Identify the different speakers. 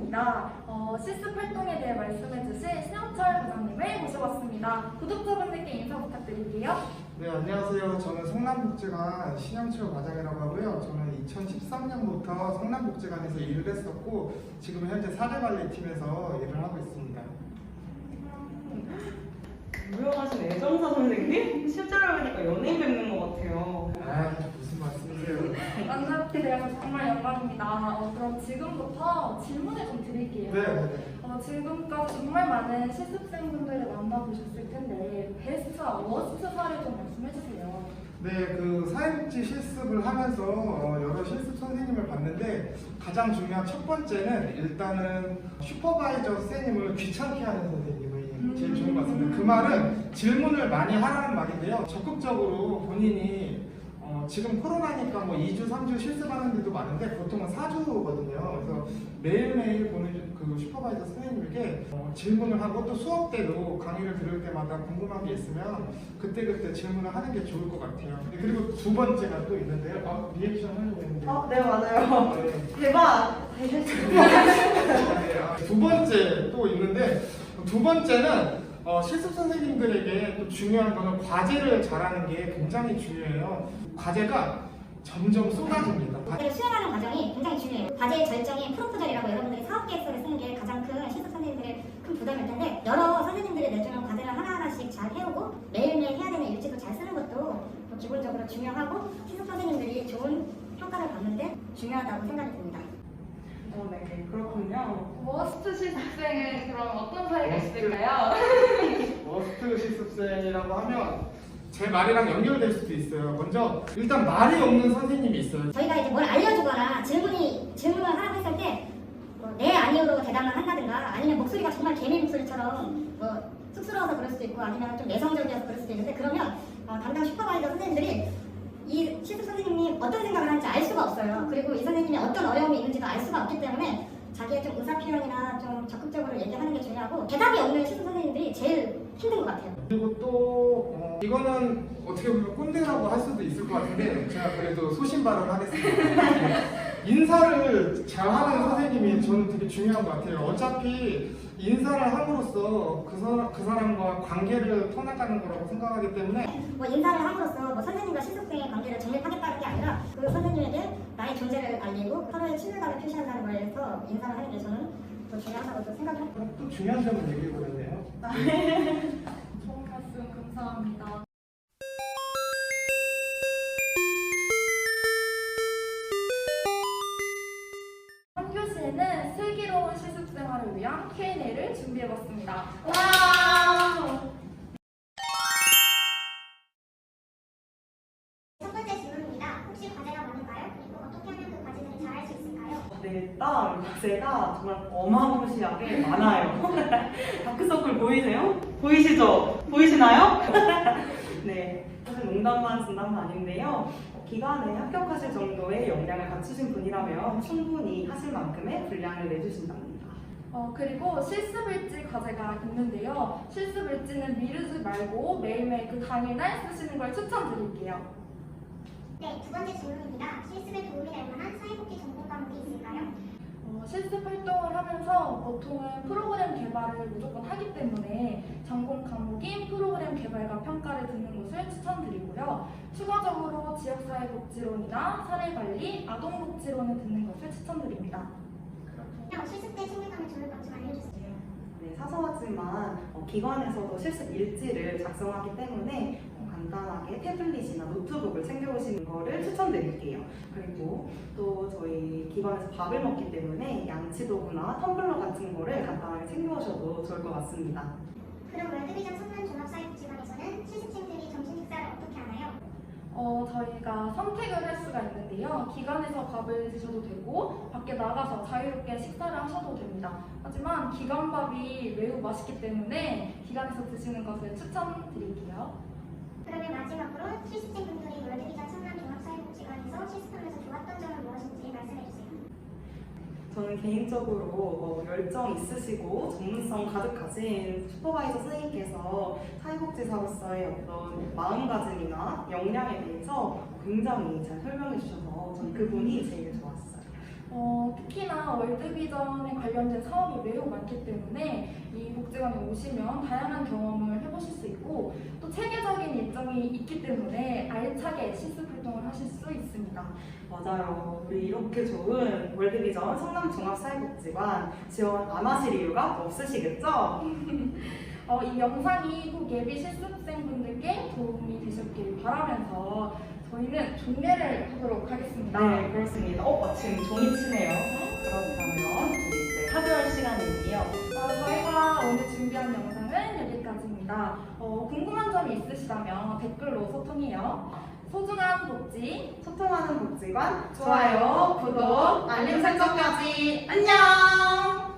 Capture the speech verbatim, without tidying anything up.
Speaker 1: 입니다. 어, 실습 활동에 대해 말씀해주실 신영철 부장님을 모셔봤습니다. 구독자분들께 인사 부탁드릴게요.
Speaker 2: 네, 안녕하세요. 저는 성남복지관 신영철 과장이라고 하고요. 저는 이천십삼 년부터 성남복지관에서 일을 했었고 지금 현재 사례관리팀에서 일을 하고 있습니다.
Speaker 3: 유명하신 애정사 선생님? 실제로 보니까 연예인 뵙는 것 같아요.
Speaker 2: 아, 무슨 말씀이세요?
Speaker 1: 만나뵙게 되어서 정말 영광입니다. 어, 그럼 지금부터 질문을 좀 드릴게요.
Speaker 2: 네, 네.
Speaker 1: 어, 지금까지 정말 많은 실습생분들을 만나보셨을 텐데 베스트와 워스트 사례 좀 말씀해주세요.
Speaker 2: 네, 그 사회복지 실습을 하면서 어, 여러 실습 선생님을 봤는데 가장 중요한 첫 번째는 일단은 슈퍼바이저 선생님을 귀찮게 하는 선생님이 제일 좋은 것 같습니다. 그 말은 질문을 많이 하라는 말인데요. 적극적으로 본인이 어, 지금 코로나니까 뭐 이 주, 삼 주 실습하는 데도 많은데 보통은 사 주거든요. 그래서 매일매일 보는 그 슈퍼바이저 선생님에게 어, 질문을 하고 또 수업 때도 강의를 들을 때마다 궁금한 게 있으면 그때그때 질문을 하는 게 좋을 것 같아요. 네, 그리고 두 번째가 또 있는데요. 아, 리액션 하려고 했는데.
Speaker 3: 어, 네, 맞아요.
Speaker 2: 네.
Speaker 3: 대박!
Speaker 2: 네, 아, 두 번째 또 있는데 두 번째는 어, 실습 선생님들에게 또 중요한 거는 과제를 잘하는 게 굉장히 중요해요. 과제가 점점 쏟아집니다.
Speaker 4: 과제를 수행하는 과정이 굉장히 중요해요. 과제의 절정이 프로포절이라고 여러분들이 사업 계획서를 쓰는 게 가장 큰 실습 선생님들의 큰 부담일 텐데 여러 선생님들이 내주는 과제를 하나하나씩 잘 해오고 매일매일 해야 되는 일지도 잘 쓰는 것도 기본적으로 중요하고 실습 선생님들이 좋은 평가를 받는데 중요하다고 생각이 듭니다.
Speaker 3: 어, 네, 그렇군요.
Speaker 1: 워스트 실습생은 그럼 어떤 사례가 있을까요?
Speaker 2: 워스트 실습생이라고 하면 제 말이랑 연결될 수도 있어요. 먼저 일단 말이 없는 선생님이 있어요.
Speaker 4: 저희가 이제 뭘 알려주거나 질문이 질문을 하라고 했을 때 뭐 네 아니오로 대답을 한다든가 아니면 목소리가 정말 개미 목소리처럼 뭐 쑥스러워서 그럴 수도 있고 아니면 좀 내성적이어서 그럴 수도 있는데 그러면 어, 담당 슈퍼바이저 선생님들이 이 실습 선생님이 어떤 생각을 하는지 알 수가 없어요. 그리고 이 선생님이 어떤 어려움이 있는지도 알 수가 없기 때문에 자기의 좀 의사 표현이나 좀 적극적으로 얘기하는 게 중요하고 대답이 없는 실습 선생님들이 제일 힘든 것 같아요.
Speaker 2: 그리고 또 어, 이거는 어떻게 보면 꼰대라고 할 수도 있을 것 같은데 제가 그래도 소신 발언하겠습니다. 인사를 잘하는 선생님이 저는 되게 중요한 것 같아요. 어차피 인사를 함으로써 그, 사, 그 사람과 관계를 터나가는 거라고 생각하기 때문에
Speaker 4: 뭐 인사를 함으로써 뭐 선생님과 실습생의 관계를 정립하겠다는 게 아니라 그 선생님에게 나의 존재를 알리고 서로의 친밀감을 표시한다는 거에서 인사를 하는 게 저는 더 중요하다고 또 생각합니다.
Speaker 2: 또 중요한 점을 얘기해 보겠네요.
Speaker 1: 좋은 말씀 감사합니다. 한 교시에는 슬기로운 실습생활을 위한 큐 앤 에이를 준비해봤습니다. 와!
Speaker 4: 첫 번째 질문입니다. 혹시 과제가 많은가요? 그리고 어떻게 하면 그 과제들을 잘할 수 있을까요?
Speaker 3: 네, 일단 과제가 정말 어마무시하게 많아요. 다크서클 보이세요? 보이시죠? 보이시나요? 네, 사실 농담만 진담은 아닌데요. 기간에 합격하실 정도의 역량을 갖추신 분이라면 충분히 하실 만큼의 분량을 내주신답니다.
Speaker 1: 어, 그리고 실습일지 과제가 있는데요. 실습일지는 미루지 말고 매일매일 그 당일날 쓰시는 걸 추천드릴게요.
Speaker 4: 네, 두 번째 질문입니다. 실습에 도움이 될 만한 사회복지 전공 과목이 있을까요?
Speaker 1: 어, 실습 활동을 하면서 보통은 프로그램 개발을 무조건 하기 때문에 전공 과목인 프로그램 개발과 평가를 듣는 것을 추천드리고요. 추가적으로 지역사회복지론이나 사례관리, 아동복지론을 듣는 것을 추천드립니다.
Speaker 4: 실습 때 친밀감을 주는 것 좀 알려주세요.
Speaker 3: 네, 사소하지만 어, 기관에서도 실습 일지를 작성하기 때문에 어, 간단하게 태블릿이나 노트북을 챙겨오시는 거를 추천드릴게요. 그리고 또 저희 기관에서 밥을 먹기 때문에 양치도구나 텀블러 같은 거를 간단하게 챙겨오셔도 좋을 것 같습니다.
Speaker 4: 그럼 월드비전 성남종합사회복지관에서는 실습생들이 점심 식사를 어떻게 하나요?
Speaker 1: 어, 저희가 선택을 할 수가 있는데요. 기관에서 밥을 드셔도 되고 밖에 나가서 자유롭게 식사를 하셔도 됩니다. 하지만 기관밥이 매우 맛있기 때문에 기관에서 드시는 것을 추천드릴게요.
Speaker 4: 그러면 마지막으로 실습생분들이 월드비전 성남종합사회복지관에서 실습하면서 좋았던 점은 무엇인지 말씀해주세요.
Speaker 3: 저는 개인적으로 어, 열정 있으시고 전문성 가득하신 슈퍼바이저 선생님께서 사회복지사로서의 어떤 마음가짐이나 역량에 대해서 굉장히 잘 설명해 주셔서 저는 그분이 제일 좋았어요.
Speaker 1: 어, 특히나 월드비전에 관련된 사업이 매우 많기 때문에 이 복지관에 오시면 다양한 경험을 해보실 수 있고 또 체계적인 일정이 있기 때문에 알차게 실습 활동을 하실 수 있습니다.
Speaker 3: 맞아요. 우리 이렇게 좋은 월드비전 성남종합사회복지관 지원 안 하실 이유가 없으시겠죠?
Speaker 1: 어, 이 영상이 꼭 예비 실습생분들께 도움이 되셨길 바라면서 저희는 종례를 하도록 하겠습니다.
Speaker 3: 네, 그렇습니다. 어, 마침 종이 치네요. 그렇다면 우리 이제 사교할 시간이에요.
Speaker 1: 어, 저희가 오늘 준비한 영상은 여기까지입니다. 어, 궁금한 점이 있으시다면 댓글로 소통해요. 소중한 복지,
Speaker 3: 소통하는 복지관
Speaker 1: 좋아요, 구독, 알림 설정까지.
Speaker 3: 안녕!